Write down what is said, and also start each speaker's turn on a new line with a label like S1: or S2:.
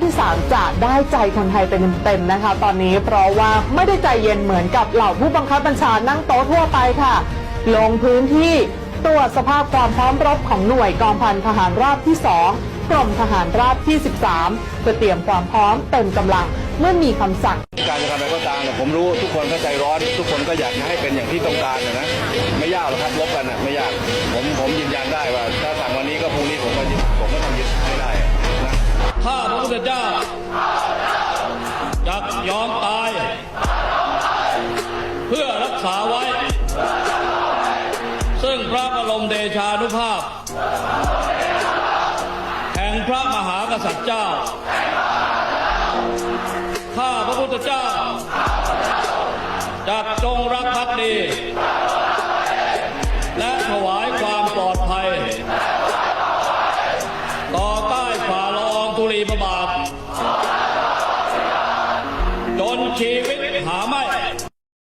S1: ที่3จะได้ใจคนไทยเป็นเต็มๆนะคะตอนนี้เพราะว่าไม่ได้ใจเย็นเหมือนกับเหล่าผู้บังคับบัญชานั่งโต๊ะทั่วไปค่ะลงพื้นที่ตรวจสภาพความพร้อมรบของหน่วยกองพันทหารราบที่2กรมทหารราบที่13เพื่อเตรียมความพร้อมเต็มกำลังเมื่อมีคำสั่ง
S2: การจะทำอะไรก็ตามผมรู้ทุกคนก็ใจร้อนทุกคนก็อยากให้เป็นอย่างที่ต้องการนะไม่ยากหรอกครับลบกันไม่ยากผมยืนยันได้ว่าถ้าสั่งวันนี้ก็พรุ่งนี้ผมก็ต้องยึดให้ได้นะ
S3: ข้าพระพุทธเจ้าจะยอมตายเพื่อรักษาไว้ซึ่งพระบรมเดชานุภาพแห่งพระมหากษัตริย์เจ้าข้าพระพุทธเจ้าจะจงรักภักดีและถวายความปลอดภัยต่อใต้ฝ่าละอองธุลีพระบาทจนชีวิตหาไม่